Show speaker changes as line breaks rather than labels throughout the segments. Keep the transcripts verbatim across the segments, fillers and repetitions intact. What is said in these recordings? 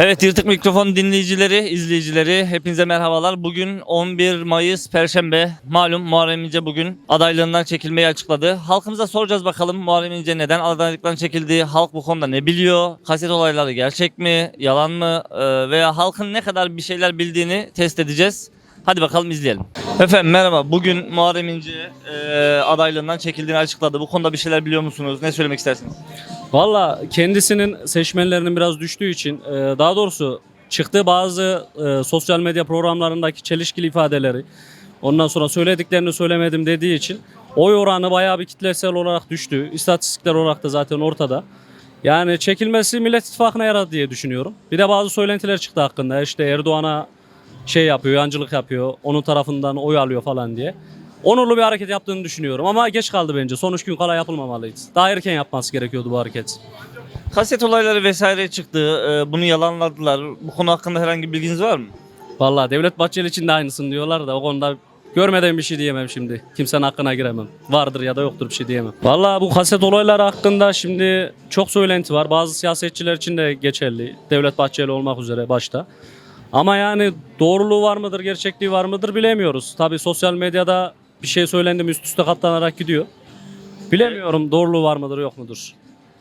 Evet, Yırtık Mikrofon dinleyicileri, izleyicileri hepinize merhabalar. Bugün on bir Mayıs Perşembe. Malum Muharrem İnce bugün adaylığından çekilmeyi açıkladı. Halkımıza soracağız bakalım Muharrem İnce neden adaylıktan çekildi? Halk bu konuda ne biliyor? Kaset olayları gerçek mi, yalan mı? Ee, veya halkın ne kadar bir şeyler bildiğini test edeceğiz. Hadi bakalım izleyelim. Efendim merhaba. Bugün Muharrem İnce e, adaylığından çekildiğini açıkladı. Bu konuda bir şeyler biliyor musunuz? Ne söylemek istersiniz?
Valla kendisinin seçmenlerinin biraz düştüğü için e, daha doğrusu çıktığı bazı e, sosyal medya programlarındaki çelişkili ifadeleri, ondan sonra söylediklerini söylemedim dediği için oy oranı bayağı bir kitlesel olarak düştü. İstatistikler olarak da zaten ortada. Yani çekilmesi Millet İttifakı'na yaradı diye düşünüyorum. Bir de bazı söylentiler çıktı hakkında. İşte Erdoğan'a şey yapıyor, yancılık yapıyor, onun tarafından oy alıyor falan diye. Onurlu bir hareket yaptığını düşünüyorum ama geç kaldı bence. Son üç gün kala yapılmamalıydı. Daha erken yapması gerekiyordu bu hareket.
Kaset olayları vesaire çıktı. Ee, bunu yalanladılar. Bu konu hakkında herhangi bir bilginiz var mı?
Vallahi Devlet Bahçeli için de aynısını diyorlar da o konuda görmeden bir şey diyemem şimdi. Kimsenin hakkına giremem. Vardır ya da yoktur bir şey diyemem. Vallahi bu kaset olayları hakkında şimdi çok söylenti var. Bazı siyasetçiler için de geçerli. Devlet Bahçeli olmak üzere başta. Ama yani doğruluğu var mıdır, gerçekliği var mıdır bilemiyoruz. Tabii sosyal medyada bir şey söylendi mi üst üste katlanarak gidiyor. Bilemiyorum doğruluğu var mıdır yok mudur.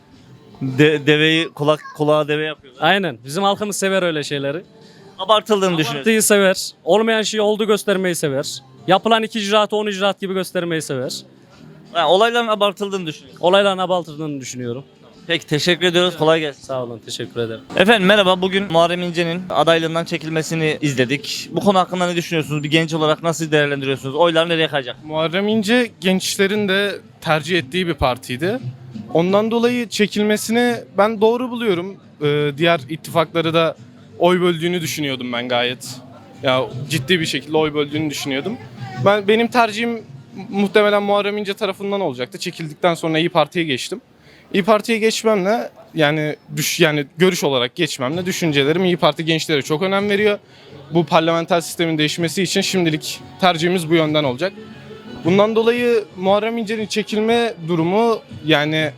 De, deveyi kulak kulağa deve yapıyorlar.
Aynen. Bizim halkımız sever öyle şeyleri.
Abartıldığını düşünüyorum.
Abartıyı sever. Olmayan şeyi oldu göstermeyi sever. Yapılan iki icraatı on icraat gibi göstermeyi sever.
Yani olayların abartıldığını düşünüyorum.
Olayların abartıldığını düşünüyorum.
Peki teşekkür ediyoruz. Kolay gelsin.
Sağ olun. Teşekkür ederim.
Efendim merhaba. Bugün Muharrem İnce'nin adaylığından çekilmesini izledik. Bu konu hakkında ne düşünüyorsunuz? Bir genç olarak nasıl değerlendiriyorsunuz? Oylar nereye kayacak?
Muharrem İnce gençlerin de tercih ettiği bir partiydi. Ondan dolayı çekilmesini ben doğru buluyorum. Ee, diğer ittifakları da oy böldüğünü düşünüyordum ben gayet. Ya ciddi bir şekilde oy böldüğünü düşünüyordum. Ben benim tercihim muhtemelen Muharrem İnce tarafından olacaktı. Çekildikten sonra İYİ Parti'ye geçtim. İYİ Parti'ye geçmemle yani düş yani görüş olarak geçmemle düşüncelerim İYİ Parti gençlere çok önem veriyor. Bu parlamenter sistemin değişmesi için şimdilik tercihimiz bu yönden olacak. Bundan dolayı Muharrem İnce'nin çekilme durumu yani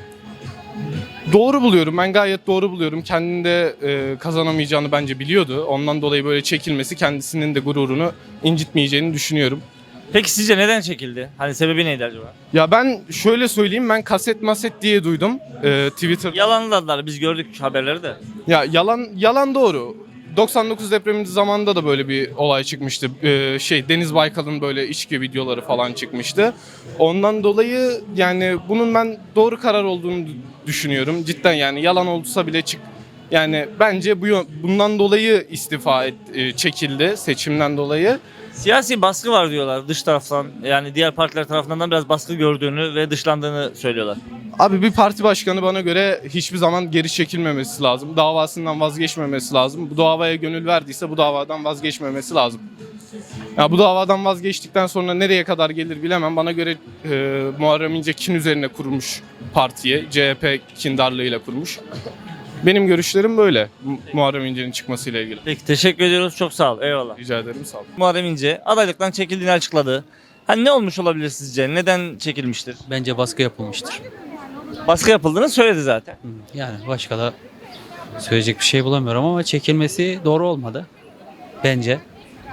doğru buluyorum. Ben gayet doğru buluyorum. Kendinde e, kazanamayacağını bence biliyordu. Ondan dolayı böyle çekilmesi kendisinin de gururunu incitmeyeceğini düşünüyorum.
Peki sizce neden çekildi? Hani sebebi neydi acaba?
Ya ben şöyle söyleyeyim, ben kaset maset diye duydum e, Twitter.
Yalanladılar. Biz gördük haberleri de.
Ya yalan yalan doğru. doksan dokuz depremi zamanında da böyle bir olay çıkmıştı. Ee, şey Deniz Baykal'ın böyle içki videoları falan çıkmıştı. Ondan dolayı yani bunun ben doğru karar olduğunu düşünüyorum. Cidden yani yalan olsa bile çık. Yani bence bu bundan dolayı istifa et, e, çekildi seçimden dolayı.
Siyasi baskı var diyorlar dış taraftan. Yani diğer partiler tarafından da biraz baskı gördüğünü ve dışlandığını söylüyorlar.
Abi bir parti başkanı bana göre hiçbir zaman geri çekilmemesi lazım. Davasından vazgeçmemesi lazım. Bu davaya gönül verdiyse bu davadan vazgeçmemesi lazım. Ya bu davadan vazgeçtikten sonra nereye kadar gelir bilemem. Bana göre e, Muharrem İnce kin üzerine kurmuş partiye. C H P kindarlığıyla kurmuş. Benim görüşlerim böyle Mu- Muharrem İnce'nin çıkmasıyla ilgili.
Peki teşekkür ediyoruz. Çok sağ ol. Eyvallah.
Rica ederim, sağ olun.
Muharrem İnce adaylıktan çekildiğini açıkladı. Hani ne olmuş olabilir sizce? Neden çekilmiştir?
Bence baskı yapılmıştır.
Baskı yapıldığını söyledi zaten.
Yani başka da söyleyecek bir şey bulamıyorum ama çekilmesi doğru olmadı. Bence.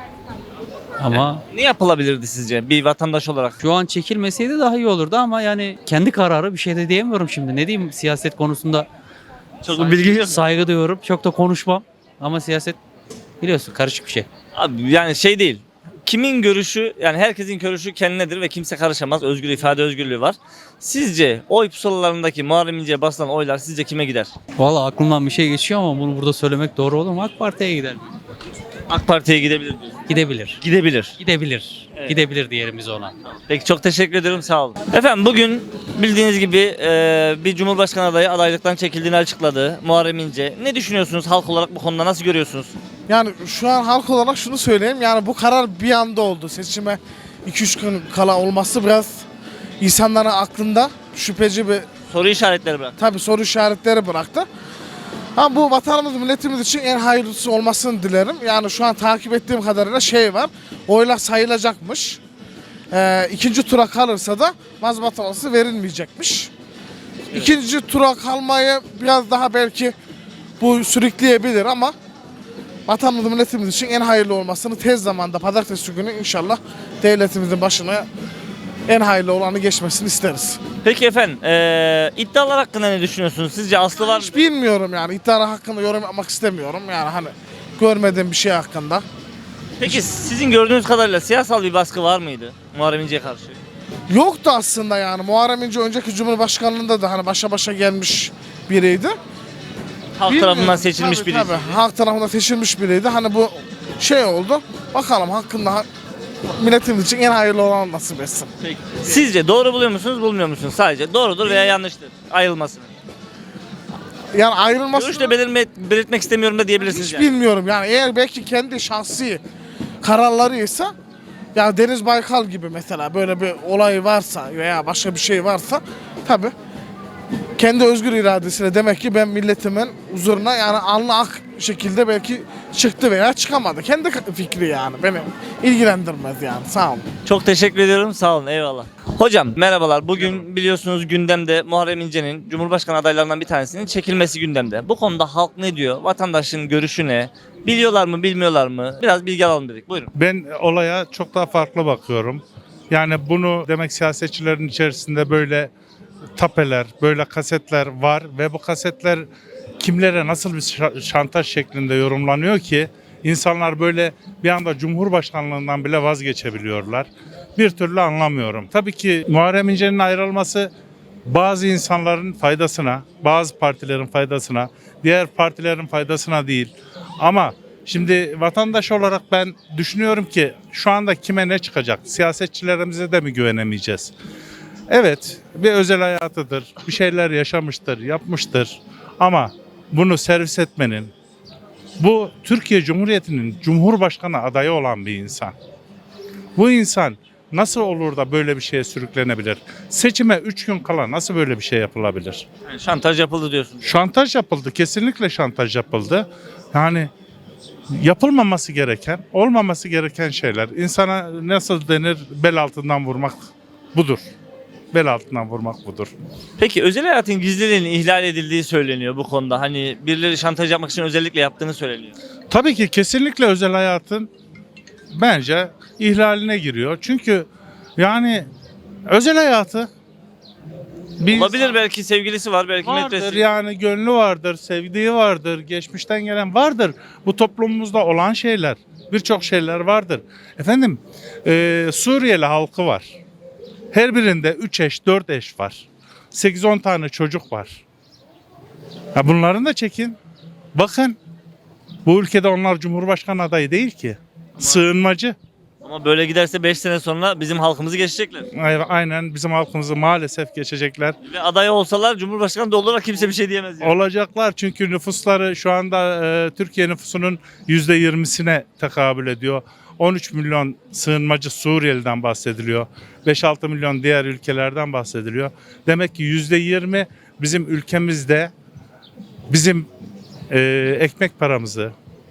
Ama
Ne yapılabilirdi sizce bir vatandaş olarak?
şu an çekilmeseydi daha iyi olurdu ama yani kendi kararı, bir şey de diyemiyorum şimdi. Ne diyeyim, siyaset konusunda
Çok bir bilgi yok.
saygı duyuyorum. Çok da konuşmam. Ama siyaset biliyorsun karışık bir şey.
Abi yani şey değil. Kimin görüşü yani herkesin görüşü kendinedir ve kimse karışamaz. Özgür ifade özgürlüğü var. Sizce oy pusulalarındaki Muharrem İnce'ye basılan oylar sizce kime gider?
Valla aklımdan bir şey geçiyor ama bunu burada söylemek doğru olur mu? AK Parti'ye gider.
AK Parti'ye gidebilir diyor.
Gidebilir.
Gidebilir.
Gidebilir.
Evet.
Gidebilir diyelim biz ona.
Peki çok teşekkür ederim, sağ olun. Efendim bugün bildiğiniz gibi e, bir Cumhurbaşkanı adayı adaylıktan çekildiğini açıkladı Muharrem İnce. Ne düşünüyorsunuz halk olarak, bu konuda nasıl görüyorsunuz?
Yani şu an halk olarak şunu söyleyeyim. Yani bu karar bir anda oldu. Seçime iki üç gün kala olması biraz insanların aklında şüpheci bir
Soru işaretleri bırak.
tabii soru işaretleri bıraktı. Ama bu vatanımız, milletimiz için en hayırlısı olmasını dilerim. Yani şu an takip ettiğim kadarıyla şey var. Oylar sayılacakmış. Ee, ikinci tura kalırsa da mazbatalaması verilmeyecekmiş. İkinci tura kalmayı biraz daha belki bu sürükleyebilir ama vatanımız milletimiz için en hayırlı olmasını tez zamanda pazartesi günü inşallah devletimizin başına en hayırlı olanı geçmesini isteriz.
Peki efendim eee iddialar hakkında ne düşünüyorsunuz? Sizce aslı var mı?
Hiç bilmiyorum yani iddialar hakkında yorum yapmak istemiyorum yani hani görmediğim bir şey hakkında.
Peki sizin gördüğünüz kadarıyla siyasal bir baskı var mıydı Muharrem İnce'ye karşı?
Yoktu aslında yani Muharrem İnce önceki Cumhurbaşkanlığında da hani başa başa gelmiş biriydi.
Halk
Bilmiyorum.
tarafından seçilmiş
Tabii,
birisi.
tabii. Halk tarafından seçilmiş biriydi. Hani bu şey oldu. Bakalım hakkında ha- milletimiz için en hayırlı olan nasip etsin.
Peki. Sizce doğru buluyor musunuz, bulmuyor musunuz? Sadece doğrudur veya yanlıştır. Ayrılmasını.
Yani ayrılması
Görüş de belirme, belirtmek istemiyorum da diyebilirsiniz
hiç
yani.
bilmiyorum. Yani eğer belki kendi şahsi kararlarıysa ya Deniz Baykal gibi mesela böyle bir olay varsa veya başka bir şey varsa tabii kendi özgür iradesiyle demek ki ben milletimin huzuruna yani alnı ak şekilde belki çıktı veya çıkamadı. Kendi fikri yani beni ilgilendirmez yani sağ olun.
Çok teşekkür ediyorum. Sağ olun. Eyvallah. Hocam merhabalar. Bugün biliyorsunuz gündemde Muharrem İnce'nin Cumhurbaşkanı adaylarından bir tanesinin çekilmesi gündemde. Bu konuda halk ne diyor? Vatandaşın görüşü ne? Biliyorlar mı, bilmiyorlar mı? Biraz bilgi alalım dedik. Buyurun.
Ben olaya çok daha farklı bakıyorum. Yani bunu demek siyasetçilerin içerisinde böyle tapeler, böyle kasetler var ve bu kasetler kimlere nasıl bir şa- şantaj şeklinde yorumlanıyor ki insanlar böyle bir anda Cumhurbaşkanlığından bile vazgeçebiliyorlar. Bir türlü anlamıyorum. Tabii ki Muharrem İnce'nin ayrılması bazı insanların faydasına, bazı partilerin faydasına, diğer partilerin faydasına değil. Ama şimdi vatandaş olarak ben düşünüyorum ki şu anda kime ne çıkacak? Siyasetçilerimize de mi güvenemeyeceğiz? Evet, bir özel hayatıdır, bir şeyler yaşamıştır, yapmıştır. Ama bunu servis etmenin, bu Türkiye Cumhuriyeti'nin Cumhurbaşkanı adayı olan bir insan. Bu insan nasıl olur da böyle bir şeye sürüklenebilir? Seçime üç gün kala nasıl böyle bir şey yapılabilir?
Yani şantaj yapıldı diyorsunuz.
Şantaj yapıldı, kesinlikle şantaj yapıldı. Yani yapılmaması gereken, olmaması gereken şeyler. İnsana nasıl denir, bel altından vurmak budur. Bel altından vurmak budur.
Peki özel hayatın gizliliğinin ihlal edildiği söyleniyor bu konuda. Hani birileri şantaj yapmak için özellikle yaptığını söyleniyor.
Tabii ki kesinlikle özel hayatın bence ihlaline giriyor. Çünkü yani özel hayatı bir
Olabilir, belki sevgilisi var, belki
vardır,
metresi.
yani gönlü vardır, sevdiği vardır, geçmişten gelen vardır. Bu toplumumuzda olan şeyler, birçok şeyler vardır. Efendim, e, Suriyeli halkı var. Her birinde üç eş, dört eş var. sekiz on tane çocuk var. Ya bunların da çekin. Bakın, bu ülkede onlar Cumhurbaşkanı adayı değil ki. Sığınmacı.
Ama böyle giderse beş sene sonra bizim halkımızı geçecekler.
Ay- Aynen bizim halkımızı maalesef geçecekler.
Ve aday olsalar Cumhurbaşkanı da olarak kimse bir şey diyemez. Yani.
Olacaklar çünkü nüfusları şu anda e, Türkiye nüfusunun yüzde yirmisine tekabül ediyor. on üç milyon sığınmacı Suriyeli'den bahsediliyor. beş altı milyon diğer ülkelerden bahsediliyor. Demek ki yüzde yirmi bizim ülkemizde bizim e, ekmek paramızı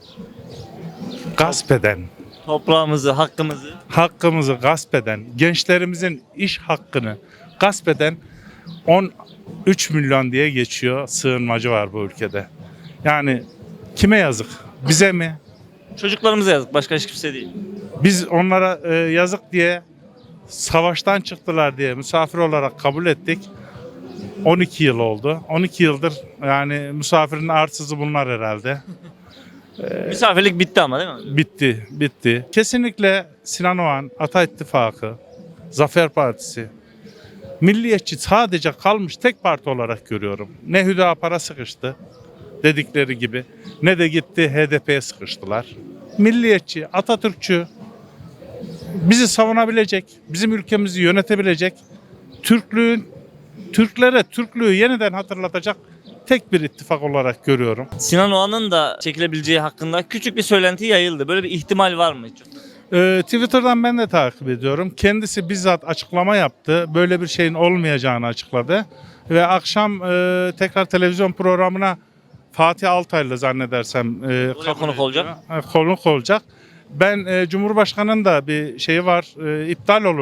gasp eden,
Toprağımızı, hakkımızı.
hakkımızı gasp eden, gençlerimizin iş hakkını gasp eden on üç milyon diye geçiyor sığınmacı var bu ülkede. Yani kime yazık? Bize mi?
Çocuklarımıza yazık. Başka hiç kimse değil.
Biz onlara e, yazık diye savaştan çıktılar diye misafir olarak kabul ettik. on iki yıl oldu. on iki yıldır yani misafirin arsızı bunlar herhalde.
Misafirlik bitti ama değil mi?
Bitti, bitti. Kesinlikle Sinan Oğan, Ata İttifakı, Zafer Partisi, milliyetçi sadece kalmış tek parti olarak görüyorum. Ne Hüdapar'a sıkıştı dedikleri gibi, ne de gitti H D P'ye sıkıştılar. Milliyetçi, Atatürkçü, bizi savunabilecek, bizim ülkemizi yönetebilecek, Türklüğün, Türklere Türklüğü yeniden hatırlatacak tek bir ittifak olarak görüyorum.
Sinan Oğan'ın da çekilebileceği hakkında küçük bir söylenti yayıldı. Böyle bir ihtimal var mı hiç?
Ee, Twitter'dan ben de takip ediyorum. Kendisi bizzat açıklama yaptı. Böyle bir şeyin olmayacağını açıkladı. Ve akşam e, tekrar televizyon programına Fatih Altaylı zannedersem e,
Oraya konuk olacak.
e, konuk olacak. Ben e, Cumhurbaşkanı'nın da bir şeyi var, e, iptal olur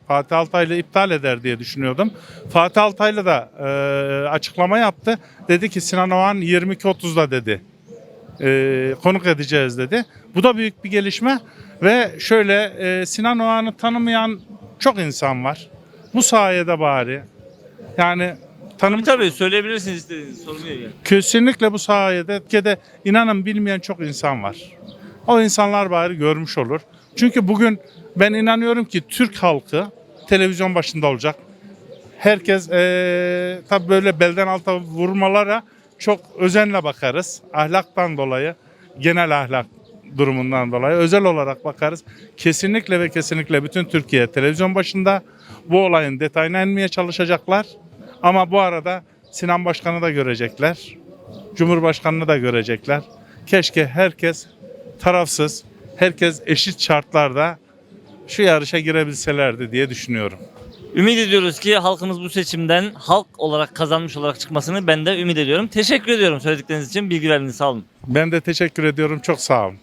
Fatih Altaylı iptal eder diye düşünüyordum. Fatih Altaylı da e, açıklama yaptı. Dedi ki Sinan Oğan yirmi iki otuzda dedi. E, konuk edeceğiz dedi. Bu da büyük bir gelişme ve şöyle e, Sinan Oğan'ı tanımayan çok insan var. Bu sayede bari yani tanım
Tabii tabii söyleyebilirsiniz istediğiniz sorun değil. Yani.
kesinlikle bu sayede Türkiye'de inanın bilmeyen çok insan var. O insanlar bari görmüş olur. Çünkü bugün ben inanıyorum ki Türk halkı televizyon başında olacak. Herkes ee, tabii böyle belden alta vurmalara çok özenle bakarız. Ahlaktan dolayı, genel ahlak durumundan dolayı özel olarak bakarız. Kesinlikle ve kesinlikle bütün Türkiye televizyon başında bu olayın detayına inmeye çalışacaklar. Ama bu arada Sinan Başkan'ı da görecekler. Cumhurbaşkanı'nı da görecekler. Keşke herkes tarafsız, herkes eşit şartlarda şu yarışa girebilselerdi diye düşünüyorum.
Ümit ediyoruz ki halkımız bu seçimden halk olarak kazanmış olarak çıkmasını ben de ümit ediyorum. Teşekkür ediyorum söyledikleriniz için. Bilgi verdiğiniz sağ olun.
Ben de teşekkür ediyorum. Çok sağ olun.